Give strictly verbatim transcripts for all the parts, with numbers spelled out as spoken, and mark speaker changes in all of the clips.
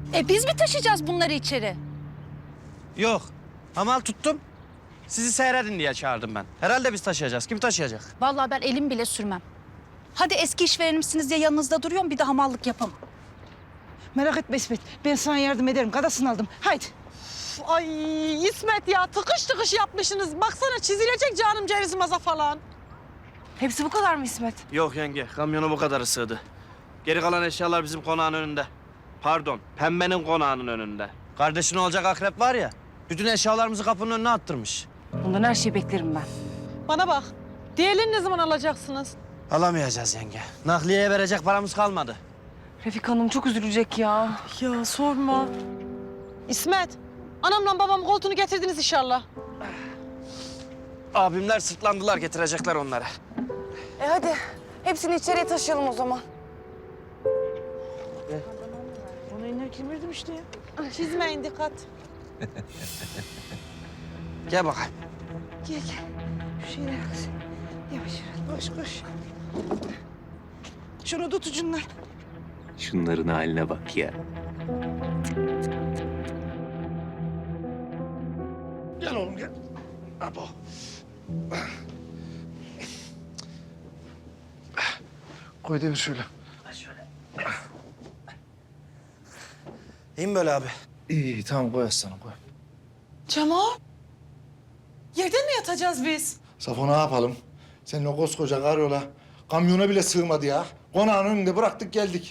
Speaker 1: E biz mi taşıyacağız bunları içeri?
Speaker 2: Yok. Hamal tuttum. Sizi seyredin diye çağırdım ben. Herhalde biz taşıyacağız. Kim taşıyacak?
Speaker 1: Vallahi ben elim bile sürmem. Hadi eski işverenimsiniz diye yanınızda duruyorum, bir de hamallık yapamam.
Speaker 3: Merak etme İsmet. Ben sana yardım ederim. Kadasını aldım. Haydi.
Speaker 4: Ay İsmet ya tıkış tıkış yapmışsınız. Baksana çizilecek canım ceviz maza falan.
Speaker 3: Hepsi bu kadar mı İsmet?
Speaker 2: Yok yenge. Kamyonu bu kadarı sığdı. Geri kalan eşyalar bizim konağın önünde. Pardon. Pembenin konağının önünde. Kardeşin olacak akrep var ya. Bütün eşyalarımızı kapının önüne attırmış.
Speaker 3: Bundan her şeyi beklerim ben.
Speaker 4: Bana bak. Diğerlerini ne zaman alacaksınız?
Speaker 2: Alamayacağız yenge. Nakliyeye verecek paramız kalmadı.
Speaker 3: Refik Hanım çok üzülecek ya.
Speaker 4: Ya sorma. İsmet, anamla babam koltuğunu getirdiniz inşallah.
Speaker 2: Abimler sırtlandılar, getirecekler onları.
Speaker 3: E hadi. Hepsini içeriye taşıyalım o zaman. Ona iner kemirdim işte ya.
Speaker 4: Çizmeyin dikkat.
Speaker 2: Gel bakayım.
Speaker 3: Gel gel. Şu şeyleri kız. Yavaş yavaş. Koş koş. Şunu tut ucundan.
Speaker 5: Şunların haline bak ya.
Speaker 6: Gel oğlum gel. Abo. Koy devir şöyle.
Speaker 2: İyi mi böyle abi?
Speaker 6: İyi iyi tamam koy aslanım koy.
Speaker 4: Cemal. Yerden mi yatacağız biz?
Speaker 6: Safo ne yapalım? Senin o koskoca karyola kamyona bile sığmadı ya. Konağın önünde bıraktık geldik.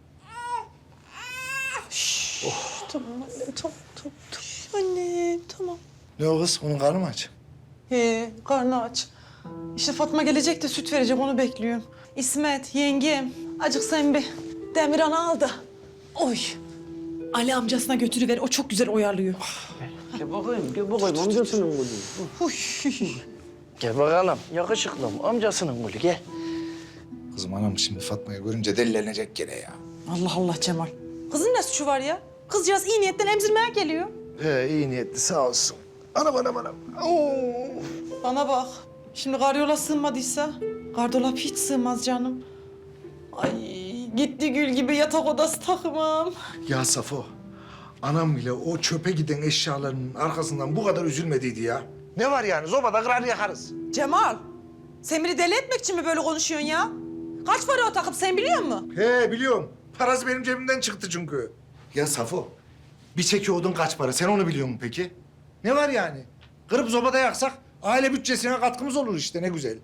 Speaker 4: Tamam annem, tamam, tamam, tamam. Anne, tamam.
Speaker 6: Ne o kız? Onun karnı mı aç?
Speaker 4: He, karnı aç. İşte Fatma gelecek de süt verecek, onu bekliyorum. İsmet, yengem, acık sen bir Demirhan'ı al da. Oy. Ali amcasına götürüver, o çok güzel oyalıyor.
Speaker 2: Gel bakayım, gel bakayım. Amcasının gülü.
Speaker 4: Huy.
Speaker 2: Gel bakalım. Yakışıklım. Amcasının gülü, gel.
Speaker 6: Kızım anam şimdi Fatma'yı görünce delilenecek gene ya.
Speaker 4: Allah Allah Cemal. Kızın ne suçu var ya? Kızcağız iyi niyetten emzirmeye geliyor.
Speaker 6: He iyi niyetli sağ olsun. Anam anam anam. Oo.
Speaker 4: Bana bak. Şimdi karyola sığmadıysa gardolap hiç sığmaz canım. Ay gitti gül gibi yatak odası takımım.
Speaker 6: Ya Safo, anam bile o çöpe giden eşyalarının arkasından bu kadar üzülmediydi ya. Ne var yani? Zobada kırar yakarız.
Speaker 4: Cemal, sen beni deli etmek için mi böyle konuşuyorsun ya? Kaç para o takım sen biliyor musun?
Speaker 6: He biliyorum. Parası benim cebimden çıktı çünkü. Ya Safo, bir çeki odun kaç para? Sen onu biliyor musun peki? Ne var yani? Kırıp zobada yaksak aile bütçesine katkımız olur işte ne güzel.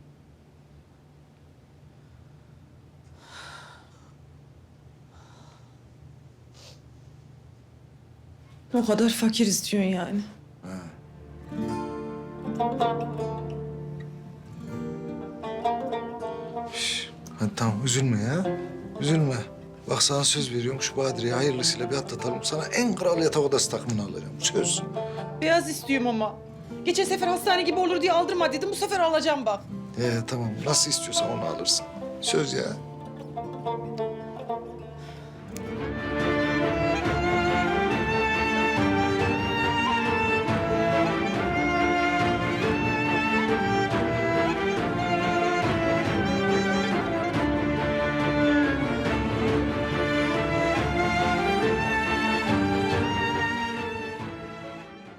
Speaker 4: O kadar fakiriz diyorsun yani.
Speaker 6: Şş, hadi tamam üzülme ya. Üzülme. Bak sana söz veriyorum şu Badire'yi hayırlısıyla bir atlatalım. Sana en kral yatak odası takımını alacağım. Söz.
Speaker 4: Beyaz istiyorum ama. Geçen sefer hastane gibi olur diye aldırma dedim. Bu sefer alacağım bak.
Speaker 6: He tamam nasıl istiyorsan onu alırsın. Söz ya.